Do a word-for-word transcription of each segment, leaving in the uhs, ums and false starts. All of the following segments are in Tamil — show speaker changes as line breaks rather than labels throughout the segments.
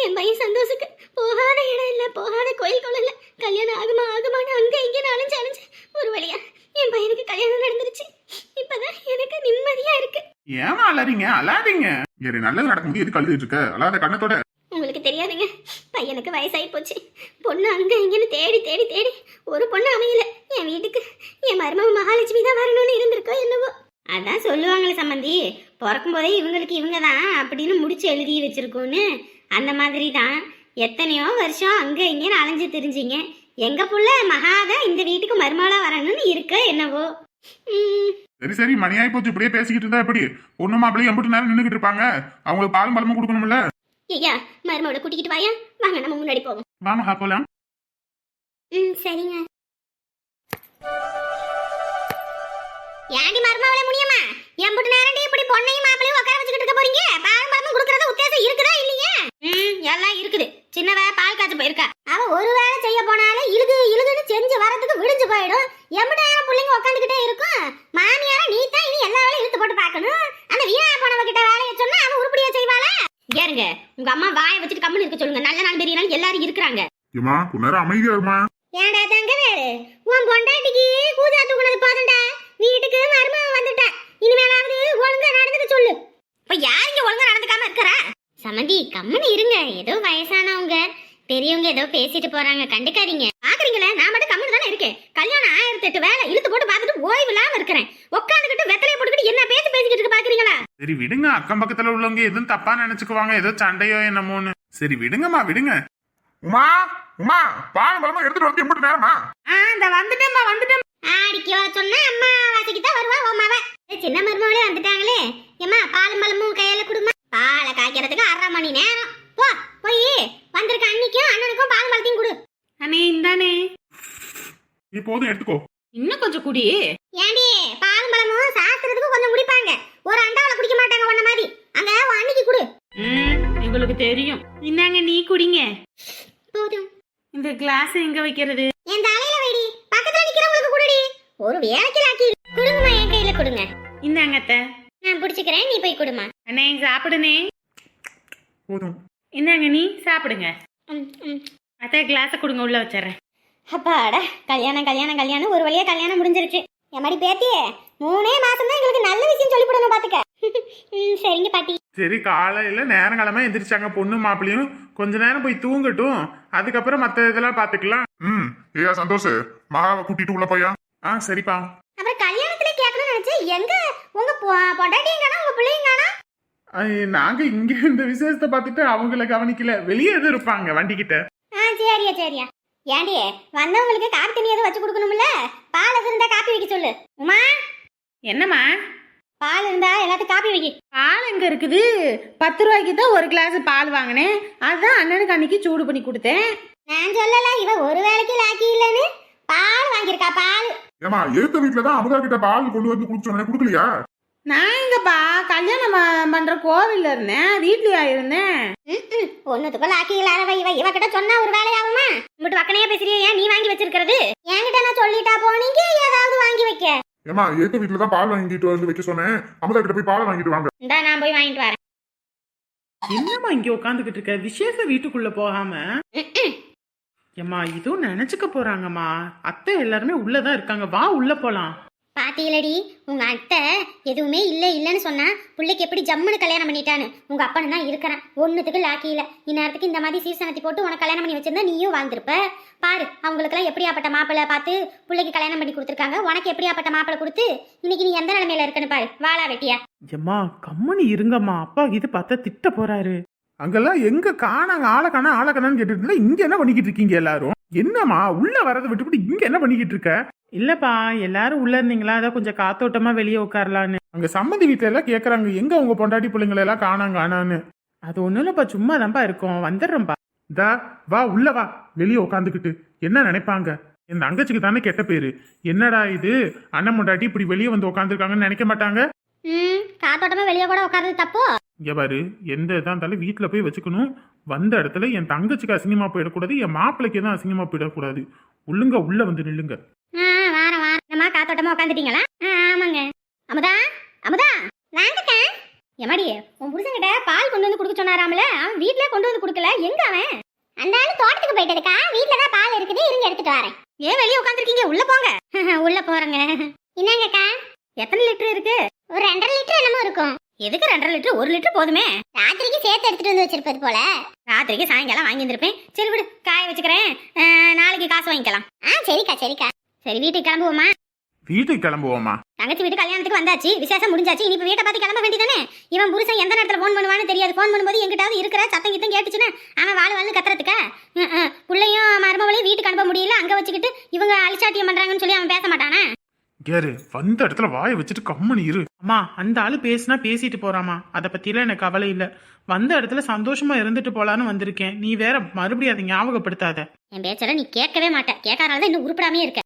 என் பையன் சந்தோஷுக்கு போகாத இடம் இல்ல, போகாத கோயில் குளம் இல்ல, கல்யாணம் ஆகுமா ஆகுமான்னு அங்க இங்க அலைஞ்சு அலைஞ்சு ஒரு வழியா என் பையனுக்கு கல்யாணம் நடந்துருச்சு. இப்பதான் எனக்கு நிம்மதியா இருக்கு.
ஏமா அலாதீங்க அலாதீங்க, சரி நல்லது நடக்கும்போது எது கழுதிட்டு இருக்க, அலாத கண்ணத்தோட.
உங்களுக்கு தெரியாதுங்க, பையனுக்கு வயசாகி போச்சு. பொண்ணு அங்க இங்கன்னு தேடி தேடி தேடி ஒரு பொண்ணு அமையல. என் வீட்டுக்கு என் மருமக மகாலட்சுமி தான் வரணும்னு இருந்திருக்கோ என்னவோ. அதான் சொல்லுவாங்களே சம்மந்தி, பிறக்கும் போதே இவங்களுக்கு இவங்க தான் அப்படின்னு முடிச்சு எழுதி வச்சிருக்கோன்னு. அந்த மாதிரி தான் எத்தனையோ வருஷம் அங்க இங்கன்னு அலைஞ்சு தெரிஞ்சிங்க. எங்க புள்ள மகாதான் இந்த வீட்டுக்கு மருமகளா வரணும்னு இருக்க என்னவோ. உம்
சரி சரி மணியாயி போச்சு, இப்படியே பேசிக்கிட்டு இருந்தா எப்படி? பொண்ணு மாப்பிள்ளையும் எம்பிட்டு நேரம் நின்றுகிட்டு இருப்பாங்க, அவங்களுக்கு பாலும் பழமும் கொடுக்கணும்ல.
ஐயா மருமகளை கூட்டிக்கிட்டு வாயா, வாங்க நம்ம முன்னாடி போவோம்.
வாமா போலாம்.
ம் சரிங்க. ஏண்டி மருமகளே முடியுமா, எம்பிட்டு நேரண்டி இப்படி பொண்ணையும் மாப்பிளையும் உட்கார வச்சுக்கிட்டு இருக்க போறீங்க? பாலும் பழமும் கொடுக்கறது உத்தேசம் இருக்குதா இல்லையா? ம் எல்லாம் இருக்குது. சின்னவ பால் காய்ச்ச போயிருக்கா. அவ ஒரு வேலை செய்ய போனாலும் இழுகு இழுகுன்னு செஞ்சு வரதுக்கு விடிஞ்சு போயிடும். எம்பிட்டு நேரம் பிள்ளைங்க உட்காந்துக்கிட்டே இருக்கும். மாமியார நீ தான் இனி எல்லா வேலையும் இழுத்து போட்டு பார்க்கணும். அந்த வீணா போனவ கிட்ட வேலையை சொன்னா அவ உருப்படியா செய்வாளா? ஏறுங்க, உங்க அம்மா வாயை வச்சுட்டு கம்முன்னு இருக்க சொல்லுங்க. நல்ல நாள் பெரிய நாள் எல்லாரும் இருக்கிறாங்க.
ஏமா கொஞ்ச அமைதியா இருமா.
ஏண்டா தங்க வேறு, உன் பொண்டாட்டிக்கு கூஜா தூக்குனது போதும்டா. வீட்டுக்கு மருமக வந்துட்டா, இனிமேலாவது ஒழுங்கா நடந்துக்க சொல்லு. இப்ப யார் இங்க ஒழுங்கா நடந்துக்காம இருக்கறா? சமந்தி கம்முன்னு இருங்க, ஏதோ வயசானவங்க பெரியவங்க ஏதோ பேசிட்டு போறாங்க, கண்டுக்காதீங்க. பாக்குறீங்களே, நான் மட்டும் கம்முன்னு தானே இருக்கேன். கல்யாணம் ஆயிரத்தி எட்டு வேலை இழுத்து போட்டு பார்த்துட்டு ஓய்வு இல்லாம இருக்கிறேன். உட்காந்துக்கிட்டு வெத்தலையை போட்டுக்கிட்டு என்ன பேசி பேசிக்கிட்டு இருக்கு பாக்குறீங்களா?
சரி விடுங்க, அக்கம் பக்கத்துல உள்ளவங்க எதுவும் தப்பா நினைச்சுக்குவாங்க, ஏதோ சண்டையோ என்னமோன்னு. சரி விடுங்கம்மா விடுங்க. உமா உமா பால் பழமா எடுத்துட்டு வந்து எம்பிட்டு நேரமா?
இந்த வந்துட்டேம்மா வந்துட்டேன். ஆடிக்கோ சொன்னா அம்மா வாசிக்கு தான் வருவா உமாவ. சின்ன மருமகளே வந்துட்டாங்களே. ஏம்மா பாலும் பழமும் கையில குடுமா. பாலை காய்க்கிறதுக்கு அரை மணி நேரம். போ போய் வந்திருக்க அன்னிக்கும் அண்ணனுக்கும் பால் பழத்தையும் கொடு.
அண்ணே இந்தானே.
நீ போதும் எடுத்துக்கோ.
இன்னும் கொஞ்சம் குடி.
ஏண்டி பால் பழமும் சாஸ்திரத்துக்கு கொஞ்சம் குடிப்பாங்க, ஒரு அண்டாவில குடிக்க மாட்டாங்க உன்ன மாதிரி. அங்க உன் அன்னிக்கு கொடு.
ம் உங்களுக்கு தெரியும். இந்தாங்க நீ குடிங்க.
போதும்.
இந்த கிளாஸ் எங்க வைக்கிறது?
என் தலையில வைடி, பக்கத்துல நிக்கிறவங்களுக்கு குடுடி. ஒரு வேலைக்கு ஆக்கி குடுங்கம்மா, என் கையில கொடுங்க.
இந்தாங்க அத்தை.
நான் பிடிச்சுக்கிறேன், நீ போய் கொடுமா.
அண்ணே சாப்பிடுனே.
போதும்.
இந்தாங்க நீ சாப்பிடுங்க.
ம் ம்.
அத்தை கிளாஸை கொடுங்க, உள்ள வச்சிடறேன்.
அப்பாடா, கல்யாணம் கல்யாணம் கல்யாணம் ஒரு வழியா கல்யாணம் முடிஞ்சிருச்சு. என் மாதிரி பேத்தியே மூணே மாசம் தான் எங்களுக்கு நல்ல விஷயம் சொல்லி போடணும் பாத்துக்க. ம் சரிங்க பாட்டி.
சரி காலையில நேரங்காலமா எந்திரிச்சாங்க பொண்ணு மாப்பிளையும், கொஞ்ச நேரம் போய் தூங்கட்டும், அதுக்கப்புறம் மத்த இதெல்லாம் பாத்துக்கலாம். ம் ஏயா சந்தோஷ், மகாவை கூட்டிட்டு உள்ள போயா. ஆ சரிப்பா.
அப்புறம் கல்யாணத்துல கேட்கணும்னு நினைச்சேன், எங்க உங்க பொண்டாட்டியும் காணோம் உங்க பிள்ளையும் காணோம்.
நாங்க இங்க இந்த விசேஷத்தை பார்த்துட்டு அவங்கள கவனிக்கல, வெளியே எதுவும் இருப்பாங்க வண்டி கிட்ட.
ஆ சரியா சரியா. ஏண்டி வந்தவங்களுக்கு காப்பி தண்ணி எதுவும் வச்சு கொடுக்கணும்ல, பால் எதுவும் இருந்தா காப்பி வைக்க சொல்லு. உமா
என்னம்மா?
பால் இருந்தா எல்லாத்துக்கும் காப்பி வைக்க.
பால் எங்க இருக்குது? பத்து ரூபாய்க்கு தான் ஒரு கிளாஸ் பால் வாங்கினேன், அதான் அண்ணனுக்கு அன்னைக்கு சூடு பண்ணி கொடுத்தேன்.
நான் சொல்லல, இவ ஒரு வேலைக்கு லாக்கி இல்லன்னு பால் வாங்கியிருக்கா. பால்
ஏமா எழுத்த வீட்டுலதான் அமுதா கிட்ட பால் கொண்டு வந்து குடிச்சோம், குடுக்கலையா?
நான் எங்கப்பா கல்யாணம் பண்ற கோவில்ல இருந்தேன், வீட்லயா இருந்தேன்.
ஒன்னுத்துக்குள்ள லாக்கி இல்லாதவ இவ இவ கிட்ட சொன்னா ஒரு வேலையாகுமா? இங்கிட்டு வக்கனையா பேசுறியா? ஏன் நீ வாங்கி வச்சிருக்கிறது? என்கிட்ட நான் சொல்லிட்டா போனீங்க ஏதாவது வாங்கி வைக்க.
ஏமா எழுத்த வீட்டுலதான் பால் வாங்கிட்டு வந்து வைக்க சொன்னேன், அமுதா கிட்ட போய் பால் வாங்கிட்டு வாங்க.
இந்தா நான் போய் வாங்கிட்டு வரேன்.
என்னம்மா இங்க உட்காந்துக்கிட்டு இருக்க, விசேஷ வீட்டுக்குள்ள போகாம? ஏம்மா இதுவும் நினைச்சுக்க போறாங்கம்மா, அத்தை எல்லாருமே உள்ளதான் இருக்காங்க, வா உள்ள போலாம்.
பாத்தீங்களடி, உங்க அத்தை எதுவுமே இல்ல இல்லன்னு சொன்னா பிள்ளைக்கு எப்படி ஜம்முன்னு கல்யாணம் பண்ணிட்டான்னு. உங்க அப்பன்னு தான் இருக்கிறான், ஒன்னுத்துக்கு லாக்கி இல்ல. இந்நேரத்துக்கு இந்த மாதிரி சீசனத்தி போட்டு உனக்கு கல்யாணம் பண்ணி வச்சிருந்தா நீயும் வாழ்ந்திருப்ப. பாரு அவங்களுக்குலாம் எப்படியாப்பட்ட மாப்பிள்ளை பார்த்து பிள்ளைக்கு கல்யாணம் பண்ணி கொடுத்துருக்காங்க, உனக்கு எப்படியாப்பட்ட மாப்பிள்ளை கொடுத்து இன்னைக்கு நீ எந்த நிலைமையில இருக்குன்னு பாரு. வாழா வெட்டியா.
ஏம்மா கம்மனி இருங்கம்மா, அப்பா இது பார்த்தா திட்ட போறாரு.
அங்கெல்லாம் எங்க காணாங்க, ஆளை காணா ஆளை காணான்னு கேட்டுட்டு இருந்தா இங்க என்ன பண்ணிக்கிட்டு இருக்கீங்க எல்லாரும்? என்னம்மா உள்ள வரதை விட்டுவிட்டு இங்க என்ன பண்ணிக்கிட்டு இருக்க?
இல்லப்பா எல்லாரும் உள்ள இருந்தீங்களா, அதான் கொஞ்சம் காத்தோட்டமா வெளியே உட்காரலான்னு.
அங்க சம்மந்தி வீட்டுல எல்லாம் கேக்குறாங்க, எங்க உங்க பொண்டாட்டி பிள்ளைங்களை எல்லாம் காணாங்க ஆனான்னு.
அது ஒண்ணும் இல்லப்பா, சும்மா தான்ப்பா இருக்கோம், வந்துடுறோம்ப்பா.
தா வா உள்ள வா, வெளியே உட்காந்துக்கிட்டு என்ன நினைப்பாங்க? என் தங்கச்சிக்கு தானே கெட்ட பேரு. என்னடா இது அண்ணன் பொண்டாட்டி இப்படி வெளியே வந்து உட்காந்துருக்காங்கன்னு நினைக்க மாட்டாங்க?
ம் காத்தோட்டமா வெளியே கூட உட்கார்றது தப்போ?
இங்க பாரு, எந்த இதா இருந்தாலும் வீட்டுல போய் வச்சுக்கணும். வந்த இடத்துல என் தங்கச்சிக்கு அசிங்கமா போயிடக்கூடாது, என் மாப்பிள்ளைக்கு தான் அசிங்கமா போயிடக்கூடாது. உள்ளுங்க உள்ள வந்து நில்லுங்க.
வாரம் வாரம் காத்தோட்டமா உட்காந்துட்டீங்களா? ஆமாங்க. அமுதா அமுதா வாங்கக்கா. எமாடி உன் புருஷன்கிட்ட பால் கொண்டு வந்து கொடுக்க சொன்னாராமல அவன் வீட்லயே கொண்டு வந்து கொடுக்கல எங்க அவன் அந்த ஆளு தோட்டத்துக்கு போயிட்டதுக்கா வீட்ல தான் பால் இருக்குது இருங்க எடுத்துட்டு வரேன் ஏன் வெளியே உட்காந்துருக்கீங்க உள்ள போங்க உள்ள போறேங்க என்னங்கக்கா எத்தனை லிட்டர் இருக்கு ஒரு ரெண்டரை லிட்டர் என்னமோ இருக்கும் எதுக்கு ரெண்டரை லிட்டர் ஒரு லிட்டர் போதுமே ராத்திரிக்கு சேர்த்து எடுத்துட்டு வந்து வச்சிருப்பது போல ராத்திரிக்கு சாயங்காலம் வாங்கி வந்திருப்பேன் சரி விடு காய வச்சுக்கிறேன் நாளைக்கு காசு வாங்கிக்கலாம் ஆ சரிக்கா சரிக்கா சரி வீட்டுக்கு கிளம்புவோமா
வீட்டுக்கு கிளம்புவோமா
தங்கச்சி வீட்டு கல்யாணத்துக்கு வந்தாச்சு விசேஷம் முடிஞ்சாச்சு இனி இப்ப வீட்டை பார்த்து கிளம்ப வேண்டியதானே இவன் புருஷன் எந்த நேரத்துல போன் பண்ணுவான்னு தெரியாது போன் பண்ணும்போது எங்கிட்டாவது இருக்கிற சத்தம் கித்தம் கேட்டுச்சுன்னா அவன் வாழ் வாழ்ந்து கத்துறதுக்கா பிள்ளையும் மருமகளையும் வீட்டுக்கு அனுப்ப முடியல அங்க வச்சுக்கிட்டு இவங்க அலிச்சாட்டியம் பண்றாங்கன்னு சொல்லி அவன் பேச மாட்டானா
கேரு வந்த இடத்துல வாயை வச்சுட்டு கம்மனி இரு.
அம்மா அந்த ஆளு பேசினா பேசிட்டு போறாமா, அதை பத்திலாம் எனக்கு கவலை இல்லை. வந்த இடத்துல சந்தோஷமா இருந்துட்டு போலான்னு வந்திருக்கேன். நீ வேற மறுபடியும் அதை ஞாபகப்படுத்தாத.
என் பேச்சல நீ கேட்கவே மாட்ட, கேட்கறனால இன்னும் உருப்படாமே இருக்க.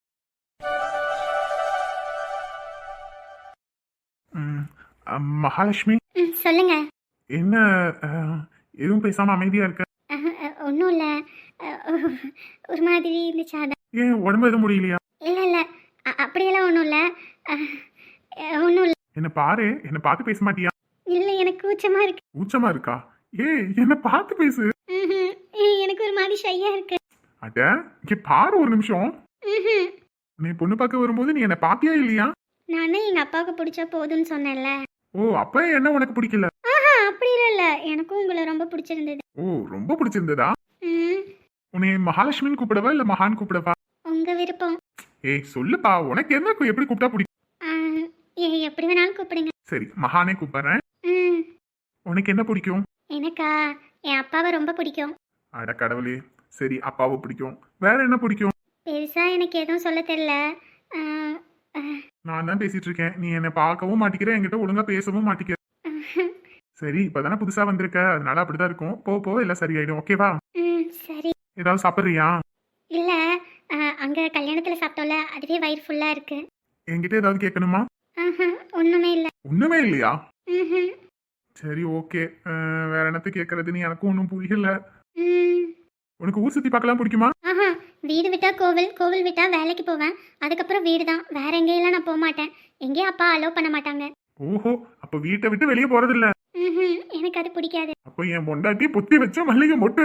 ம், அ, மகாலட்சுமி
சொல்லுங்க.
என்ன அ, எதுவும் பேசாம அமைதியா இருக்க?
ஒன்றும் இல்லை, ஒரு மாதிரி இருந்துச்சு அதான்.
ஏன் உடம்பு எதுவும் முடியலையா?
இல்லை இல்லை அப்படியெல்லாம் ஒன்றும் இல்லை, ஒன்றும் இல்லை.
என்ன பாரு, என்ன பார்த்து பேச மாட்டியா?
இல்லை எனக்கு கூச்சமா இருக்கு.
கூச்சமா இருக்கா? ஏ என்ன பார்த்து பேசு.
ம்ஹும். எனக்கு ஒரு மாதிரி ஷையா இருக்கு.
அட இங்க பாரு ஒரு நிமிஷம்.
ம்ஹும்.
நீ பொண்ணு பார்க்க வரும்போது நீ என்ன பாத்தியா இல்லையா?
நானே எங்க அப்பாவுக்கு பிடிச்சா போதும்னு சொன்னேன்ல.
ஓ அப்ப என்ன உனக்கு பிடிக்கல?
ஆஹா அப்படி இல்ல, எனக்கும் உங்களை ரொம்ப பிடிச்சிருந்தது.
ஓ ரொம்ப பிடிச்சிருந்ததா?
ம்.
உன்னை மகாலட்சுமின்னு கூப்பிடவா இல்ல மகான் கூப்பிடவா?
உங்க விருப்பம்.
ஏய் சொல்லுப்பா, உனக்கு என்ன எப்படி கூப்பிட்டா பிடிக்கும்?
ஆ, ஏ- எப்படி வேணாலும் கூப்பிடுங்க.
சரி மகானே கூப்பிடுறேன்.
ம்.
உனக்கு என்ன பிடிக்கும்?
எனக்கா என் அப்பாவை ரொம்ப பிடிக்கும்.
அட கடவுளே. சரி அப்பாவை பிடிக்கும், வேற என்ன பிடிக்கும்?
பெருசா எனக்கு எதுவும் சொல்ல தெரியல. ஆ, ஆ,
நான் தான் பேசிட்டு இருக்கேன், நீ என்னை பார்க்கவும் மாட்டிக்கிற, என்கிட்ட ஒழுங்கா பேசவும் மாட்டிக்கிற. சரி இப்பதானே புதுசா வந்திருக்க, அதனால அப்படிதான் இருக்கும். போ போ எல்லாம் சரியாயிடும். ஓகேவா?
ம் சரி.
ஏதாவது சாப்பிட்றியா?
இல்ல, ஆ, அங்க கல்யாணத்துல சாப்பிட்டோம்ல அதுவே வயிறு ஃபுல்லா இருக்கு.
என்கிட்ட ஏதாவது கேட்கணுமா?
ஆஹா ஒண்ணுமே இல்ல.
ஒண்ணுமே இல்லையா?
ம்ஹும்.
சரி ஓகே. வேற என்னத்த கேட்கறதுன்னு எனக்கும் ஒன்றும் புரியல.
ம்.
உனக்கு ஊர் சுத்தி பார்க்கலாம் பிடிக்குமா?
ஆஹா வீடு விட்டா கோவில், கோவில் விட்டா வேலைக்கு போவேன், அதுக்கப்புறம் வீடு தான். வேற எங்கேயெல்லாம் நான் போக மாட்டேன். எங்கேயும் அப்பா அலோவ் பண்ண மாட்டாங்க.
ஓஹோ அப்ப வீட்டை விட்டு வெளியே போறது இல்ல.
ம்ஹும். எனக்கு அது பிடிக்காது.
அப்ப என் பொண்டாட்டி பொத்தி வச்ச மல்லிகை மொட்டு.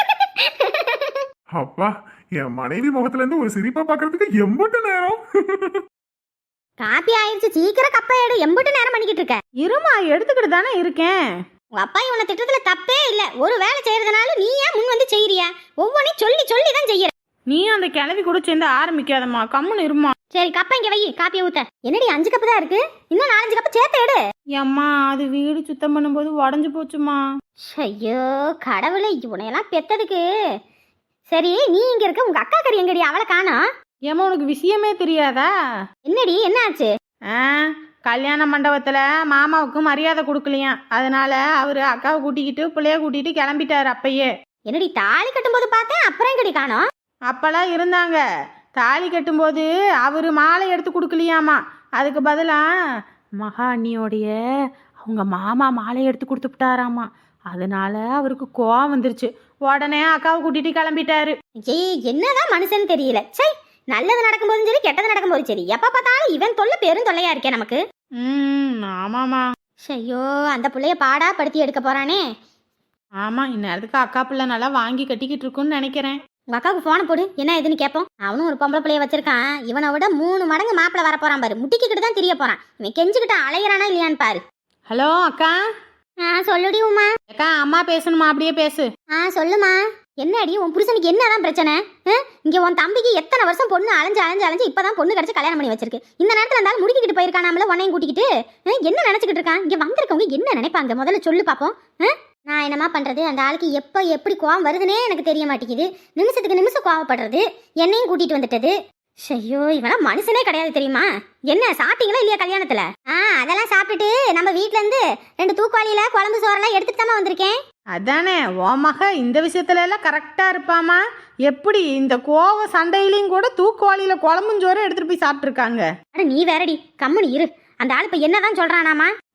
அப்பா என் மனைவி முகத்துல இருந்து ஒரு சிரிப்பா பாக்குறதுக்கு எம்பட்டு நேரம்.
காப்பி ஆயிடுச்சு, சீக்கிரம் கப்பை எடு. எம்பிட்டு நேரம் பண்ணிக்கிட்டு இருக்க?
இருமா, எடுத்துக்கிட்டு தானே இருக்கேன்.
உங்க அப்பா இவனை திட்டத்துல தப்பே இல்ல. ஒரு வேலை செய்யறதுனால நீ ஏன் முன் வந்து செய்யறியா? ஒவ்வொன்றையும் சொல்லி சொல்லி தான் செய்யற.
நீ அந்த கிளவி கூட சேர்ந்து ஆரம்பிக்காதம்மா, கம்முன்னு இருமா.
சரி கப்பை இங்க வை, காப்பியை ஊத்த. என்னடி அஞ்சு கப்பு தான் இருக்கு, இன்னும் நாலஞ்சு கப்பு சேர்த்து எடு.
அம்மா அது வீடு சுத்தம் பண்ணும்போது உடஞ்சு போச்சுமா.
ஐயோ கடவுளே, இவனையெல்லாம் பெத்ததுக்கு. சரி நீ இங்க இருக்க, உங்க அக்கா கறி எங்கடி? அவளை காணோம்.
ஏம்மா உனக்கு விஷயமே தெரியாதா?
என்னடி என்ன ஆச்சு?
ஆ கல்யாண மண்டபத்துல மாமாவுக்கு மரியாதை கொடுக்கலையாம், அதனால அவரு அக்காவை கூட்டிக்கிட்டு பிள்ளைய கூட்டிட்டு கிளம்பிட்டாரு அப்பயே.
என்னடி தாலி கட்டும்போது பார்த்தேன், அப்புறம் எங்கடி காணோம்?
அப்பெல்லாம் இருந்தாங்க. தாலி கட்டும்போது அவரு மாலை எடுத்து கொடுக்கலையாமா, அதுக்கு பதிலா மகா அண்ணியோடைய அவங்க மாமா மாலை எடுத்து கொடுத்துட்டாராமா. அதனால அவருக்கு கோவம் வந்துருச்சு, உடனே அக்காவை கூட்டிட்டு கிளம்பிட்டாரு.
ஏய் என்னதான் மனுஷன் தெரியல. சை, நல்லது நடக்கும்போதும் சரி கெட்டது நடக்கும்போது சரி எப்ப பார்த்தாலும் இவன் தொல்லை பெரும் தொல்லையா இருக்கே நமக்கு.
ம் ஆமாம்மா.
ஐயோ அந்த புள்ளைய பாடா படுத்தி எடுக்க போறானே.
ஆமா, இந்நேரத்துக்கு அக்கா பிள்ளை நல்லா வாங்கி கட்டிக்கிட்டு இருக்குன்னு நினைக்கிறேன்.
உங்க அக்காவுக்கு போன போடு, என்ன ஏதுன்னு கேட்போம். அவனும் ஒரு பொம்பளை பிள்ளைய வச்சிருக்கான், இவனை விட மூணு மடங்கு மாப்பிள வர போறான் பாரு. முட்டிக்கிட்டு தான் தெரிய போறான். இவன் கெஞ்சுக்கிட்ட அலையிறானா இல்லையான்னு பாரு.
ஹலோ அக்கா.
ஆ சொல்லுடி உமா.
அக்கா அம்மா பேசணுமா? அப்படியே பேசு.
ஆ சொல்லுமா. என்னடி உன் புருஷனுக்கு என்னதான் பிரச்சனை? இங்க உன் தம்பிக்கு எத்தனை வருஷம் பொண்ணு அலைஞ்சு அலைஞ்சு அலைஞ்சு இப்பதான் பொண்ணு கிடைச்சு கல்யாணம் பண்ணி வச்சிருக்கு. இந்த நேரத்துல இருந்தாலும் முடிக்கிட்டு போயிருக்கானாமல உன்னையும் கூட்டிக்கிட்டு. என்ன நினைச்சுக்கிட்டு இருக்கான்? இங்க வந்திருக்கவங்க என்ன நினைப்பாங்க முதல்ல சொல்லு பாப்போம். நான் என்னமா பண்றது, அந்த ஆளுக்கு எப்ப எப்படி கோவம் வருதுன்னே எனக்கு தெரிய மாட்டேங்குது. நிமிஷத்துக்கு நிமிஷம் கோவப்படுறது, என்னையும் கூட்டிட்டு வந்துட்டது. ஐயோ இவனா மனுஷனே கிடையாது தெரியுமா? என்ன சாப்பிட்டீங்களா இல்லையா கல்யாணத்துல? ஆ அதெல்லாம் சாப்பிட்டுட்டு நம்ம வீட்ல இருந்து ரெண்டு தூக்குவாளியில குழம்பு சோறெல்லாம் எடுத்துட்டு தான் வந்திருக்கேன்.
அதானே ஓ மக இந்த விஷயத்துல எல்லாம் கரெக்டா இருப்பாமா. எப்படி இந்த கோவ சண்டையிலையும் கூட தூக்குவாளியில குழம்பும் சோறும் எடுத்துட்டு போய் சாப்பிட்டு இருக்காங்க.
அட நீ வேறடி, கம்முனு இரு. அந்த ஆள் இப்ப என்னதான் சொல்றானாமா?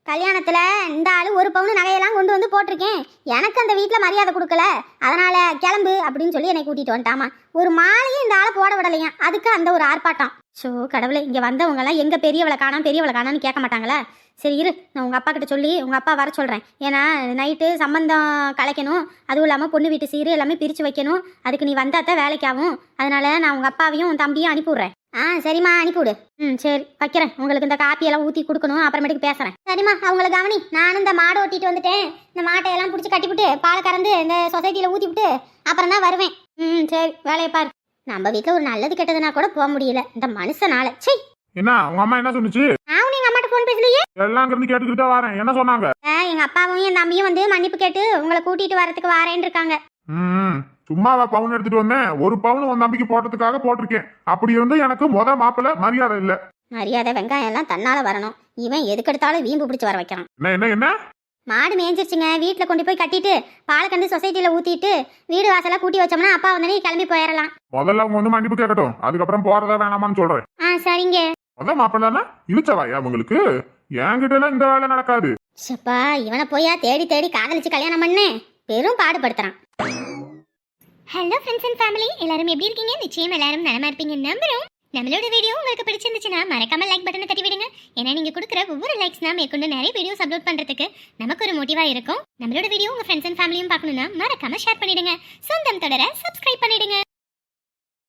கல்யாணத்துல இந்த ஆளு ஒரு பவுன் நகையெல்லாம் கொண்டு வந்து போட்டிருக்கேன், எனக்கு அந்த வீட்டுல மரியாதை கொடுக்கல, அதனால கிளம்பு அப்படின்னு சொல்லி என்னை கூட்டிட்டு வந்துட்டாமா. ஒரு மாலையும் இந்த ஆளை போட விடலையா, அதுக்கு அந்த ஒரு ஆர்ப்பாட்டம். ஸோ கடவுளே, இங்க வந்தவங்க எல்லாம் எங்க பெரியவளை காணோம் பெரியவளை காணோம்னு கேட்க மாட்டாங்களா? சரி இரு, நான் உங்க அப்பா கிட்ட சொல்லி உங்க அப்பா வர சொல்றேன். ஏன்னா நைட்டு சம்பந்தம் கலைக்கணும், அதுவும் இல்லாம பொண்ணு வீட்டு சீரு எல்லாமே பிரிச்சு வைக்கணும், அதுக்கு நீ வந்தாதான் வேலைக்கு ஆகும். அதனால நான் உங்க அப்பாவையும் உன் தம்பியும் அனுப்பிவிடுறேன். ஆ சரிம்மா, அனுப்பிவிடு. ம் சரி வைக்கிறேன். உங்களுக்கு இந்த காப்பியெல்லாம் ஊற்றி கொடுக்கணும், அப்புறமேட்டுக்கு பேசுகிறேன். சரிம்மா, அவங்கள கவனி. நானும் இந்த மாடை ஓட்டிட்டு வந்துட்டேன். இந்த மாட்டை எல்லாம் பிடிச்சி கட்டிவிட்டு பாலை கறந்து இந்த சொசைட்டியில் ஊற்றி விட்டு அப்புறம் தான் வருவேன். ம் சரி, வேலையை பாரு. நம்ம வீட்டில் ஒரு நல்லது கெட்டதுனா கூட போக முடியல இந்த மனுஷனால. சரி,
என்ன உங்க அம்மா என்ன சொன்னுச்சு?
நான் எங்க அம்மாட்ட ஃபோன் பேசலையே.
எல்லாம் இருந்து கேட்டுக்கிட்டு தான் வரேன். என்ன சொன்னாங்க?
எங்க அப்பாவும் என் தம்பியும் வந்து மன்னிப்பு கேட்டு உங்களை கூட்டிட்டு வரதுக்கு வரேன்னு இருக்காங்க.
ம் சும்மாவா பவுன் எடுத்துட்டு வந்தேன்? ஒரு பவுன் உன் தம்பிக்கு போட்டதுக்காக போட்டிருக்கேன். அப்படி இருந்து எனக்கு முத மாப்பிள்ள மரியாதை இல்ல.
மரியாதை வெங்காயம் எல்லாம் தன்னால வரணும். இவன் எதுக்கு எடுத்தாலும் வீம்பு பிடிச்சி வர வைக்கிறான்.
என்ன என்ன என்ன
மாடு மேய்ஞ்சிருச்சுங்க, வீட்டில் கொண்டு போய் கட்டிட்டு பாலை கண்டு சொசைட்டியில் ஊற்றிட்டு வீடு வாசலாக கூட்டி வச்சோம்னா அப்பா வந்தனே கிளம்பி போயிடலாம்.
முதல்ல அவங்க வந்து மன்னிப்பு கேட்கட்டும், அதுக்கப்புறம் போறதா வேணாமான்னு சொல்றேன்.
ஆ சரிங்க.
முத மாப்பிள்ளனா இழுச்சவாயா உங்களுக்கு? என்கிட்ட எல்லாம் இந்த வேலை நடக்காது.
சப்பா, இவனை போயா தேடி தேடி காதலிச்சு கல்யாணம் பண்ணு, பெரும் பாடுபடுத்துறான். ஹலோ ஃப்ரெண்ட்ஸ் அண்ட் ஃபேமிலி, எல்லாரும் எப்படி இருக்கீங்க? நிச்சயம் எல்லாரும் நலமா இருப்பீங்க நம்புறோம். நம்மளோட வீடியோ உங்களுக்கு பிடிச்சிருந்துச்சுன்னா மறக்காம லைக் பட்டனை தட்டி விடுங்க. ஏன்னா நீங்க கொடுக்குற ஒவ்வொரு லைக்ஸ் தான் மேற்கொண்டு நிறைய வீடியோஸ் அப்லோட் பண்றதுக்கு நமக்கு ஒரு மோட்டிவா இருக்கும். நம்மளோட வீடியோ உங்க ஃப்ரெண்ட்ஸ் அண்ட் ஃபேமிலியும் பார்க்கணும்னா மறக்காம ஷேர் பண்ணிடுங்க. சொந்தம் தொடர சப்ஸ்கிரைப் பண்ணிடுங்க.